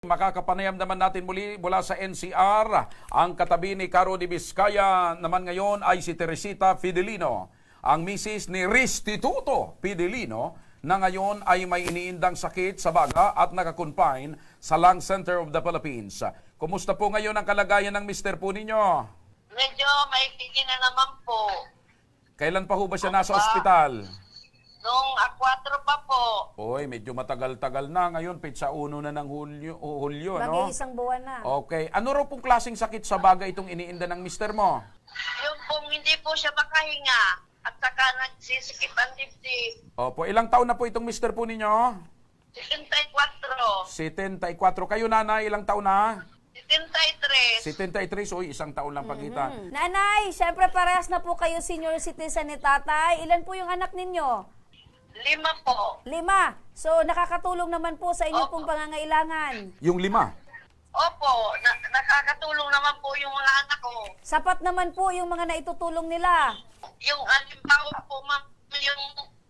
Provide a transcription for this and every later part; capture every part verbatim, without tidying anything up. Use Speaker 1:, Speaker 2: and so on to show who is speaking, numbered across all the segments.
Speaker 1: Makakapanayam naman natin muli mula sa N C R. Ang katabi ni Caro de Vizcaya naman ngayon ay si Teresita Fidelino, ang misis ni Restituto Fidelino na ngayon ay may iniindang sakit sa baga at nakakonfine sa Lung Center of the Philippines. Kumusta po ngayon ang kalagayan ng mister po ninyo?
Speaker 2: Medyo maikiki na naman po.
Speaker 1: Kailan pa ho ba siya nasa ospital?
Speaker 2: Nung A four pa po.
Speaker 1: Oy, medyo matagal-tagal na. Ngayon, pitsa uno na ng Hulyo, oh, Hulyo no?
Speaker 3: Mag-iisang buwan na.
Speaker 1: Okay. Ano raw pong klaseng sakit sa baga itong iniinda ng mister mo?
Speaker 2: Yung pong hindi po siya makahinga at saka nagsisikip ang dibdib.
Speaker 1: Opo, ilang taon na po itong mister po ninyo?
Speaker 2: seventy-four.
Speaker 1: seventy-four. Kayo nanay, ilang taon na?
Speaker 2: seventy-three.
Speaker 1: seventy-three. So, isang taon lang pagitan.
Speaker 3: Hmm. Nanay, syempre parehas na po kayo senior citizen ni tatay. Ilan po yung anak ninyo?
Speaker 2: Lima po.
Speaker 3: Lima. So, nakakatulong naman po sa inyo
Speaker 2: Opo.
Speaker 3: pong pangangailangan.
Speaker 1: Yung lima?
Speaker 2: Opo, na nakakatulong naman po yung mga anak ko.
Speaker 3: Sapat naman po yung mga naitutulong nila.
Speaker 2: Yung alimbawa po, ma'am, yung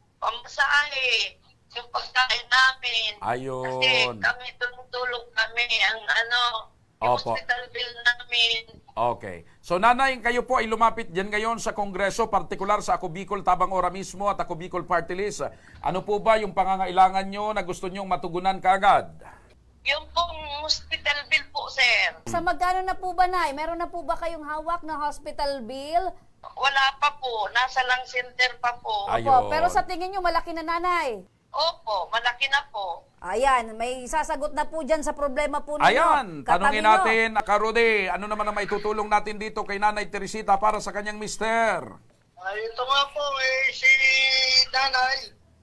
Speaker 2: pamasahe, yung pagkain namin.
Speaker 1: Ayun.
Speaker 2: Kasi kami tumutulong kami ang ano, yung
Speaker 1: Opo.
Speaker 2: hospital bill namin.
Speaker 1: Okay. So, nanay, kayo po ay lumapit dyan ngayon sa Kongreso, partikular sa Ako Bicol Tabang Ora mismo at Ako Bicol Party List. Ano po ba yung pangangailangan nyo na gusto nyong matugunan kaagad?
Speaker 2: Yung pong hospital bill po, sir.
Speaker 3: Sa magkano na po ba, Nay? Meron na po ba kayong hawak na hospital bill?
Speaker 2: Wala pa po. Nasa lang center pa po.
Speaker 1: Ay.
Speaker 3: Opo,
Speaker 1: Ayun.
Speaker 3: pero sa tingin nyo, malaki na, Nanay.
Speaker 2: Opo, malaki na po.
Speaker 3: Ayan, may sasagot na po dyan sa problema po ninyo.
Speaker 1: Ayan,
Speaker 3: Katabi
Speaker 1: tanungin
Speaker 3: nyo.
Speaker 1: natin, Karode, ano naman ang maitutulong natin dito kay Nanay Teresita para sa kanyang mister?
Speaker 4: Ay, ito nga po, eh, si Nanay,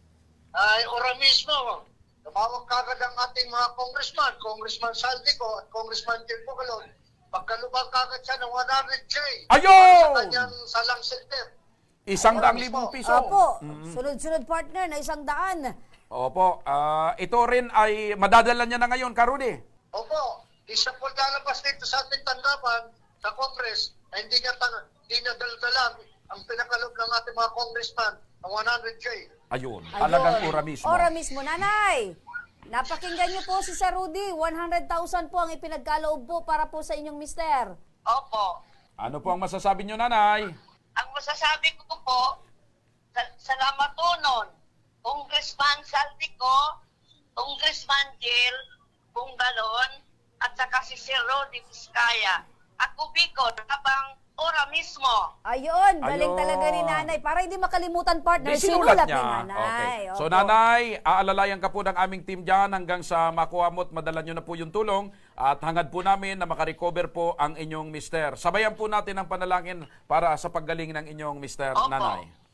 Speaker 4: ay ora mismo, tumawag kagad ang ating mga congressman, Congressman Saldico at Congressman Jim Bugalon, pagkalubang kagad siya ng one hundred K
Speaker 1: Ayun!
Speaker 4: para sa kanyang salang center.
Speaker 1: Isang
Speaker 4: Ora
Speaker 1: daang
Speaker 4: mismo.
Speaker 1: libong piso.
Speaker 3: Opo, sunod-sunod partner na isang daan.
Speaker 1: Opo, ah, ito rin ay madadala niya na ngayon, Karudi.
Speaker 4: Opo, isa po lalabas dito sa ating tanggapan sa Congress na hindi niya, tang- hindi niya daldalan ang pinakalob ng ating mga congressman ng one hundred K.
Speaker 1: Ayun,
Speaker 3: Ayun.
Speaker 1: talagang ora mismo.
Speaker 3: Ora mismo, Nanay. Napakinggan niyo po si Sir Rudy. one hundred thousand po ang ipinagkaloob po para po sa inyong mister.
Speaker 2: Opo.
Speaker 1: Ano po ang masasabi niyo, Nanay?
Speaker 2: Ang masasabi ko po, sa- salamat po nun. Congressman Saldico, Congressman Jill Bungalon, at saka si Sir Rodi Vizcaya. Ako Bicol, habang ora mismo.
Speaker 3: Ayun, galing
Speaker 1: Ayun.
Speaker 3: talaga ni Nanay. Para hindi makalimutan, partner,
Speaker 1: Di sinulat
Speaker 3: sinulat
Speaker 1: niya.
Speaker 3: ni Nanay.
Speaker 1: Okay. So,
Speaker 3: Opo.
Speaker 1: Nanay, aalalayan ka po ng aming team dyan hanggang sa makuha mo at madala nyo na po yung tulong at hangad po namin na makarecover po ang inyong mister. Sabayan po natin ang panalangin para sa paggaling ng inyong mister,
Speaker 2: Opo.
Speaker 1: Nanay.